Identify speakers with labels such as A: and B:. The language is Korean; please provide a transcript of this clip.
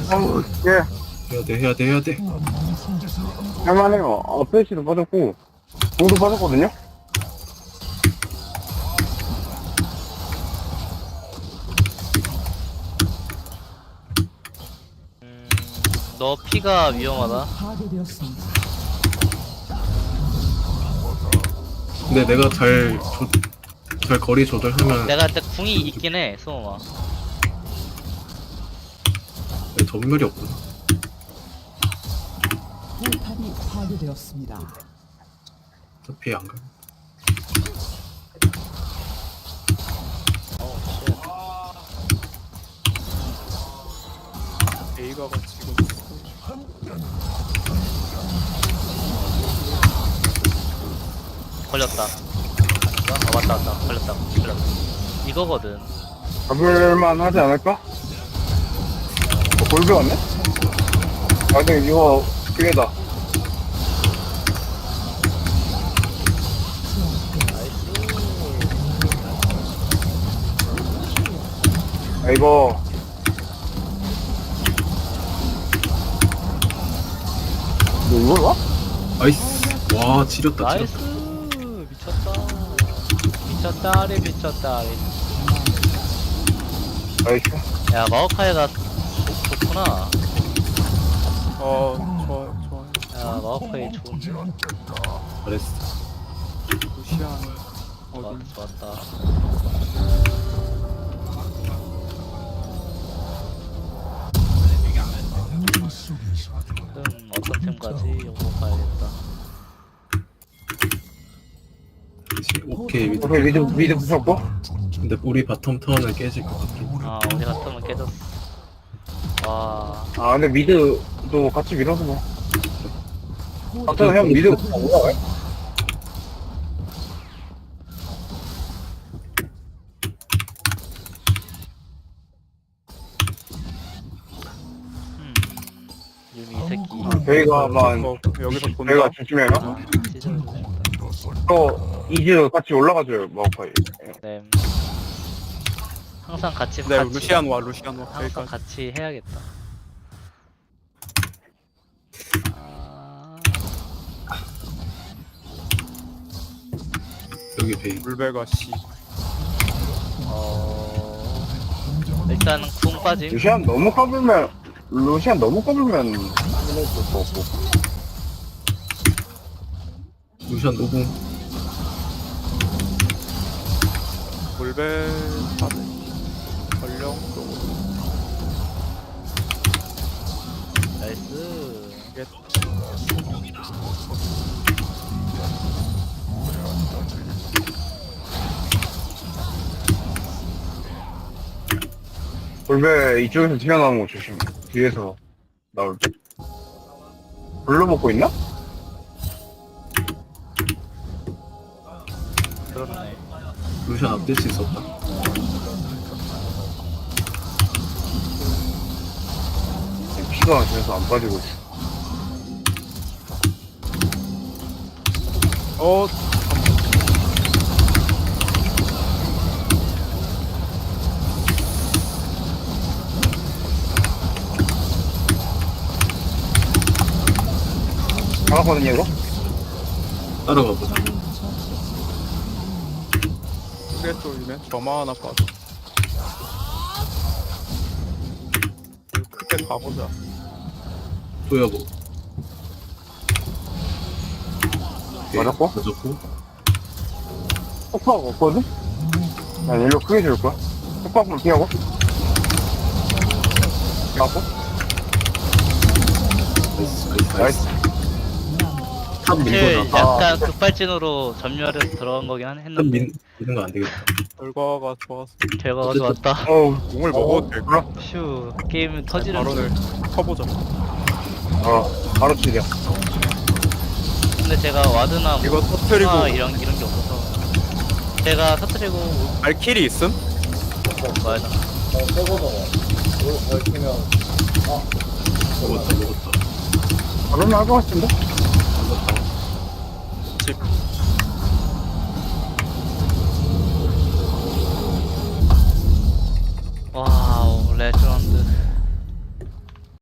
A: 예.
B: 해야 돼.
A: 할만해요. 플래시도 빠졌고, 공도 빠졌거든요?
C: 너 피가 위험하다.
D: 파괴되었습니다.
B: 근데 내가 잘 거리 조절하면
C: 내가 근데 궁이 있긴 해, 수호마.
B: 전멸이 없구나.
D: 포탑이 파괴되었습니다.
B: 어차피 안 가.
E: A가가 지금
C: 걸렸다. 맞다. 걸렸다. 이거거든.
A: 잡을만 하지 않을까? 골드 왔네? 근데 이거 기회다. 이거 너 이걸 와?
B: 나이스. 와 지렸다.
C: 나이스. 미쳤다리.
A: 나이스.
C: 야, 마오카이가 좋구나.
E: 좋아요.
C: 야, 마오카이 좋은데.
B: 잘했어.
E: 루시안
C: 좋았다. 어떤 팀 가지? 요거 가야겠다.
B: 그치. 오케이.
A: 오케이, 미드 부셨고.
B: 근데 우리 바텀 턴은 깨질 것 같긴.
C: 아, 우리 같으면 깨졌어. 와,
A: 근데 미드도 같이 밀어서 뭐. 아무튼 형 미드 올라가요?
C: 유미 이 새끼.
A: 저희가만
E: 여기서 본다.
A: 저희가 조심해요.
C: 찢어줄래?
A: 또 이즈 같이 올라가줘요, 마오카이.
C: 네. 항상 같이
E: 네,
C: 같이
E: 루시안 와.
C: 항상
E: 여기까지.
C: 같이 해야겠다. 아,
B: 여기 베이.
E: 물배가 씨.
C: 일단은 궁 빠짐.
A: 루시안 너무 까불면 하는 것도 없고.
B: 루시안 노궁.
E: 물배 다들 전령 쪽으로.
C: 나이스.
E: 이게
A: 골배 이쪽에서 튀어나오는 거 조심. 뒤에서 나올 때. 불러 먹고 있나?
C: 그렇네.
B: 루시안 앞댈 수 있었다.
A: 피가 그래서 안 빠지고 있어. 잡았거든요, 이거?
B: 따라가 보자.
E: 크게 쫄리네. 점화 하나 빠져. 크게 가보자.
B: 또여보.
A: 맞았고?
B: 맞았고.
A: 폭파가 없거든? 난 일로 크게 줄 거야. 폭파만 피하고. 맞고? 나이스.
B: 탑
C: 사실
B: 밀고 나.
C: 약간 급발진으로 전멸을 들어간 거긴
B: 탑
C: 했는데
B: 미는 거 안 되겠다.
E: 결과가 좋았어.
C: 결과가
B: 어쨌든-
C: 좋았다.
E: 공을 먹어도 될까?
C: 휴, 게임 터지는
E: 바로를
C: 줄.
E: 쳐보자.
A: 바로 치려.
C: 근데 제가 와드나 뭐
E: 이거 터트리고
C: 이런 게 없어서 제가 터트리고
E: 발키리 있음?
C: 와야 돼.
B: 먹었다.
A: 바로 나올 것 같은데?
E: 집.
C: 와우, 레전드.